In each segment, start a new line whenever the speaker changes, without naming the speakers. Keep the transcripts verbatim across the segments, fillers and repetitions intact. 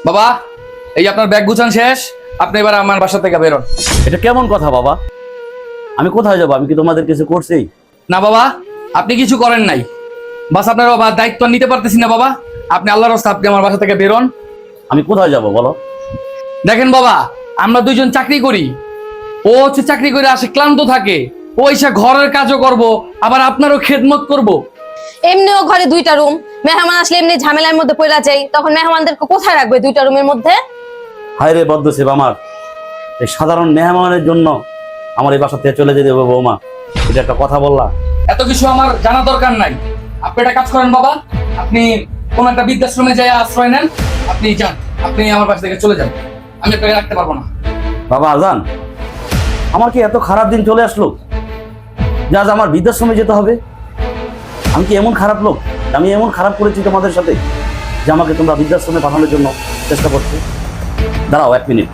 বাবা, এই আপনার ব্যাগ গুছান শেষ, আপনি এবার আমার বাসা থেকে বেরোন।
এটা কেমন কথা বাবা? আমি কোথায় যাবো? আমি কি তোমাদের কিছু করছি?
না বাবা, আপনি কিছু করেন নাই। বাস আপনার বাবা দায়িত্ব নিতে পারতেছি না বাবা। আপনি আল্লাহর রাস্তায় আপনি আমার বাসা থেকে বেরোন।
আমি কোথায় যাব বলো?
দেখেন বাবা, আমরা দুইজন চাকরি করি। ও হচ্ছে চাকরি করে আসে ক্লান্ত থাকে, ও এসে ঘরের কাজও করব, আবার আপনারও খেদমত করব।
এমনিও ঘরে দুইটা রুম, মেহমান আসলে এমনি ঝামেলার মধ্যে পড়া যায়, তখন মেহমানদেরকে কোথায় রাখবে দুইটা রুমের মধ্যে?
হায় রে বদ্ধসেব আমার, এই সাধারণ মেহমানের জন্য আমার এই বাসা থেকে চলে যেতে হবে বৌমা? এটা একটা কথা বললা?
এত কিছু আমার জানা দরকার নাই। আপনি একটা কাজ করেন বাবা, আপনি কোন একটা বৃদ্ধাশ্রমে যাই আশ্রয় নেন। আপনি যান, আপনি আমার বাসা থেকে চলে যান, আমি আপনাকে রাখতে পারবো না।
বাবা আজান, আমার কি এত খারাপ দিন চলে আসলো যে আজ আমার বৃদ্ধাশ্রমে যেতে হবে? আমি কি এমন খারাপ লোক? আমি এমন খারাপ করেছি তোমাদের সাথে যে আমাকে তোমরা বৃদ্ধাশ্রমে পাঠানোর জন্য চেষ্টা করছো? দাঁড়াও এক মিনিট।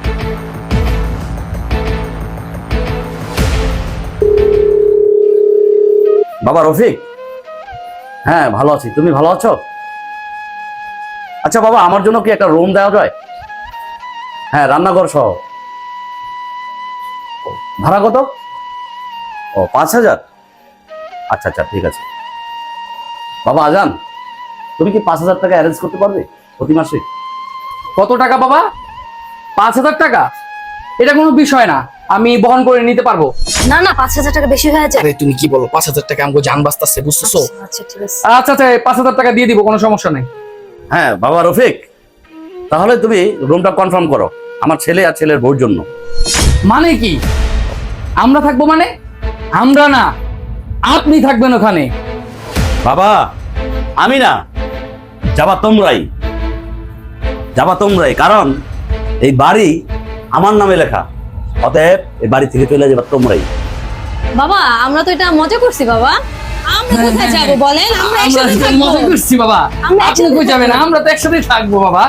বাবা রফিক, হ্যাঁ ভালো আছি, তুমি ভালো আছো? আচ্ছা বাবা, আমার জন্য কি একটা রুম দেওয়া যায়? হ্যাঁ, রান্নাঘর সহ। ভাড়া কত? ও পাঁচ হাজার। আচ্ছা আচ্ছা, ঠিক আছে। বাবা আজান, তুমি কি পাঁচ হাজার টাকা অ্যারেঞ্জ করতে পারবে প্রতি মাসে?
কত টাকা বাবা? পাঁচ হাজার টাকা? এটা কোনো বিষয় না, আমি বহন করে নিতে পারবো।
না না, পাঁচ হাজার টাকা বেশি হয়ে যায়।
আরে তুমি কি বলো, পাঁচ হাজার টাকা আমাকে জান বাঁচতেছে, বুঝতেছো?
আচ্ছা ঠিক আছে।
আচ্ছা আচ্ছা, পাঁচ হাজার টাকা দিয়ে দিব, কোনো সমস্যা নেই।
হ্যাঁ বাবা রফিক, তাহলে তুমি রুমটা কনফার্ম করো আমার ছেলে আর ছেলের বউর জন্য।
মানে কি আমরা থাকবো? মানে আমরা না, আপনি থাকবেন ওখানে।
বাবা আমি না, যাবা তোমরাই, যাবা তোমরাই, কারণ এই বাড়ি আমার নামে লেখা। অতএব এই বাড়ি থেকে চলে যাবা তোমরাই।
বাবা আমরা তো এটা মজা করছি বাবা, আমরা কোথায় যাব বলেন? আমরা
আমরা
একসাথে
তো
থাকবো।
মজা করছি বাবা,
আমরা
আপনি
একসাথে
কই যাবেন? আমরা তো একসাথেই থাকবো বাবা।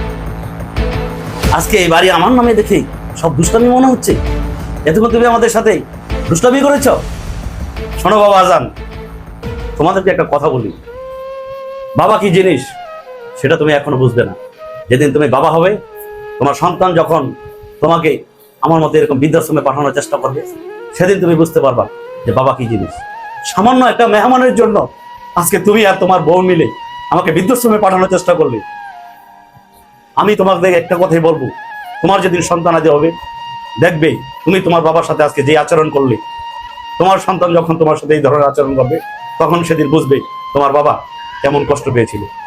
আজকে এই বাড়ি আমার নামে দেখে সব দুষ্টামি মনে হচ্ছে। এতক্ষণ তুমি আমাদের সাথে দুষ্টামি করেছ। শোনো বাবা আজান, তোমাদেরকে একটা কথা বলি, বাবা কি জিনিস সেটা তুমি এখনো বুঝবে না। যেদিন তুমি বাবা হবে, তোমার সন্তান যখন তোমাকে আমার মতো এরকম বৃদ্ধাশ্রমে পাঠানোর চেষ্টা করবে, সেদিন তুমি বুঝতে পারবা যে বাবা কি জিনিস। সামান্য একটা মেহমানের জন্য আজকে তুমি আর তোমার বউ মিলে আমাকে বৃদ্ধাশ্রমে পাঠানোর চেষ্টা করলে। আমি তোমাকে একটা কথাই বলবো, তোমার যেদিন সন্তান আদি হবে, দেখবে তুমি তোমার বাবার সাথে আজকে যে আচরণ করলে, তোমার সন্তান যখন তোমার সাথে এই ধরনের আচরণ করবে, তখন সেদিন বুঝবে তোমার বাবা কেমন কষ্ট পেয়েছিল।